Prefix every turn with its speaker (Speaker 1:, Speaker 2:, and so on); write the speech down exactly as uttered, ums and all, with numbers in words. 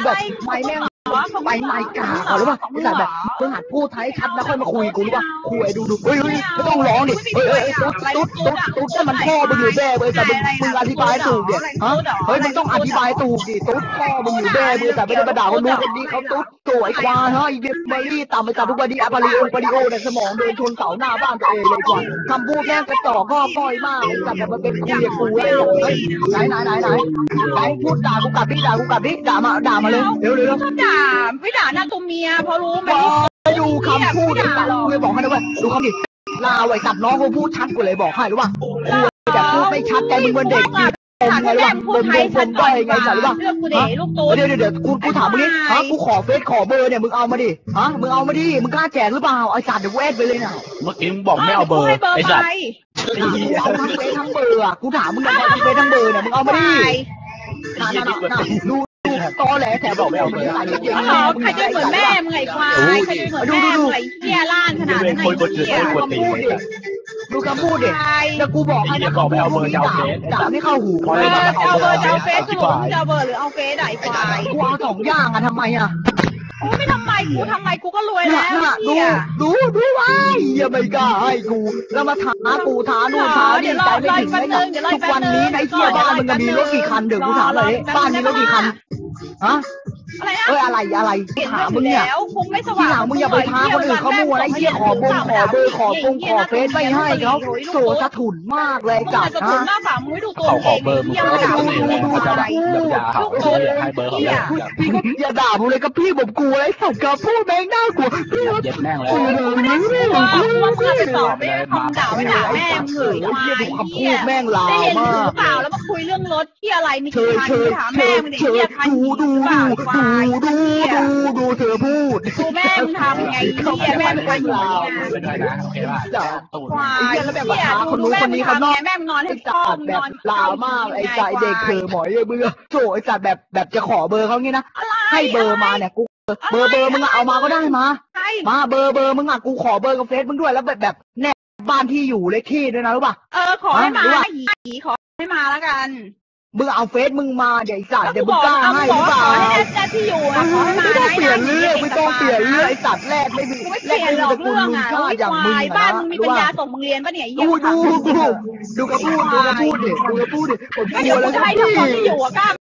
Speaker 1: แบบไม่แม่งไปไม่กาเขาหรือเปล่าไอ้สัตว์แบบมึงหัดพูดไทยชัดแล้วค่อยมาคุยกูหรือเปล่าคุยดูดูเฮ้ยเฮ้ยไม่ต้องร้องดิเฮ้ยเฮ้ยตุ๊ดตุ๊ดตุ๊ดตุ๊ดนั่นมันพ่อมึงอยู่แม่เว้ยแต่มึงมึงอธิบายถูกดิฮะเฮ้ยมึงต้องอธิบายถูกดิตุ๊ดพ่อมึงอยู่แม่มึงแต่ไม่ได้มาด่าคนนู้นคนนี้เขาตุ๊ดสวยควายเฮ้ยเบเบอรี่ต่ำไปจากทุกวันนี้อะปาริโอปาริโอในสมองโดนชนเสาหน้าบ้านตัวเองเลยก่อนคำพูดแม่งกระจอกก็ก้อยมากแต่แบบมันเป็นคุยกับกูแล้วเฮ้ยไหนไหนไหนไหนไหนพูดด่ากูกลับดิด่ากูกลับดิด่ามาด่ามาเลยเร็วเร็ว
Speaker 2: ชอบด่าไม่ด่าหน้าตัวเมียเพราะรู้ไหม
Speaker 1: ดูคำพูดเลยเลยบอกให้นะเว้ยดูคำดิลาไว้ตัดน้องเขาพูดชัดกว่าเลยบอกให้รู้ป่ะคุยแบบพูดไม่ชัดใจมึงเหมือนเด็ก
Speaker 2: ถามแม่พูดไทยชัดก่อนไงสัตว์ว่าเรื่องกูเด็กลูกตู
Speaker 1: เดี๋ยวเดี๋ยวเดี๋ยวกูกูถามมึงนี่ฮะกูขอเฟซขอเบอร์เนี่ยมึงเอามาดิฮะมึงเอามาดิมึงกล้าแจกหรือเปล่าไอ้สัตว์เดี๋ยวกูแอดไปเลยน่ะ
Speaker 3: เมื่อกี้มึงบอกไม่เอาเบอร์ไอ้สัตว์
Speaker 1: เอาทั้งเฟซทั้งเบอร์อ่ะกูถามมึงเอาทั้งเฟซทั้งเบอร์เนี่ยมึงเอามาดิน่าน่าน่าดูตอแหลแต่บอกไม่เอาเบอร์
Speaker 2: ใครจะเหมือนแม่มึงไงควายใครจะเหมือนแม่มึงไงเหี้ยล้านขนาดนั้นไงเหี้ย
Speaker 1: ดูคำพูดดิแล้วกูบอกให้
Speaker 3: บอกไม่เอาเบอร์จะเอาเฟซ
Speaker 1: ด่าไม่เข้าหู
Speaker 2: เออเอาเบอร์จะเอาเฟซสรุปจะเอาเบอร์หรือเอาเฟซไหนควาย
Speaker 1: กูเอาสองอย่างอะทำไมอะ
Speaker 2: กูไม่ทำไมกูทำไมกูก็รวยแล้ว
Speaker 1: ดูดูดูไว้อย่าไม่กล้าให้กูแล้วมาท้ากูท้านู่นท้านี่ใจไม่ถึงเลยทุกวันนี้ในเที่ยวบ้านมึงมีรถกี่คันเดี๋ยวกูถามเลยบ้านมีรถกี่คันฮะ
Speaker 2: อะไรนะ
Speaker 1: เอ้ยอะไรอะไรถามมึงเนี่ยที่หลังมึงอย่าไปท้าคนอื่นเขามั่วไอ้เหี้ยขอบงขอเบอร์ขอปงขอเฟซไม่ให้เขาโสสะถุนมากเลยจับ
Speaker 2: นะ
Speaker 3: เขาขอเบอร์มึงก็จะดูดูเขาจะแบบด่าเขาให้เบอร์เขาเลย
Speaker 1: พี่ก็อย่าด่าผมเลยกับพี่ผมกลัวไอ้สัตว์กับพูดแม่งน่ากลัวพี่ว่า
Speaker 3: เย็บแม่งเลย
Speaker 2: กูว่ามึงไปตอบไม่คำด่าไม่ด่าแม่มึงเลย
Speaker 1: ควายคำพูดแม่งลาวมาก
Speaker 2: เปล่าแล้วมาคุยเรื่องรถที่อะไรมีกี่คันถามแม่มึงดิเนี่ยคัน
Speaker 1: ดูดูดูดูดูดูเธอพูด
Speaker 2: ดูแม่มึงทำไงเนี่ยแม่มึงไปอยู่
Speaker 3: นะโอเคป่ะ
Speaker 2: ควายแล้วแบบว่า
Speaker 1: คนนู้นคนนี้เขานอก
Speaker 2: แม่มึงนอนให้พ่อมึงนอน
Speaker 1: ลาวมากไอ้ใจเด็กเธอหมอยเบื่อโจไอ้จัดแบบแบบจะขอเบอร์เขางี้นะให้เบอร์มาเนี่ยกูเบอร์เบอร์มึงเอามาก็ได้มามาเบอร์เบอร์มึงอ่ะกูขอเบอร์กับเฟซมึงด้วยแล้วแบบแบบแน่บ้านที่อยู่เลขที่ด้วยนะรู้ป่ะ
Speaker 2: เออขอให้มาหีขอให้มาแล้วกัน
Speaker 1: มึงเอาเฟซมึงมาเดี๋ยวไอ้สัตว์เดี๋ยวมึงกล้าให้หรือเปล่า
Speaker 2: ให้แน่ที่อยู่นะ
Speaker 1: ไม่ต้องเปลี่ยนเรื่องไม่ต้องเปลี่ยนเรื่องไอ้สัตว์แรกไม่มี
Speaker 2: ไม่เปลี่ยนหรอกเรื่องอ่ะอย่างมึงบ้านมึงมีปัญญาส่งมึงเรียนป่ะเนี่ย
Speaker 1: ดูดูดูดูกระพูดดูกระพูดดิดูกระพูดดิผมกลัวแล้ว
Speaker 2: จะให้ทั้งคนที่อยู่อ่ะกล้า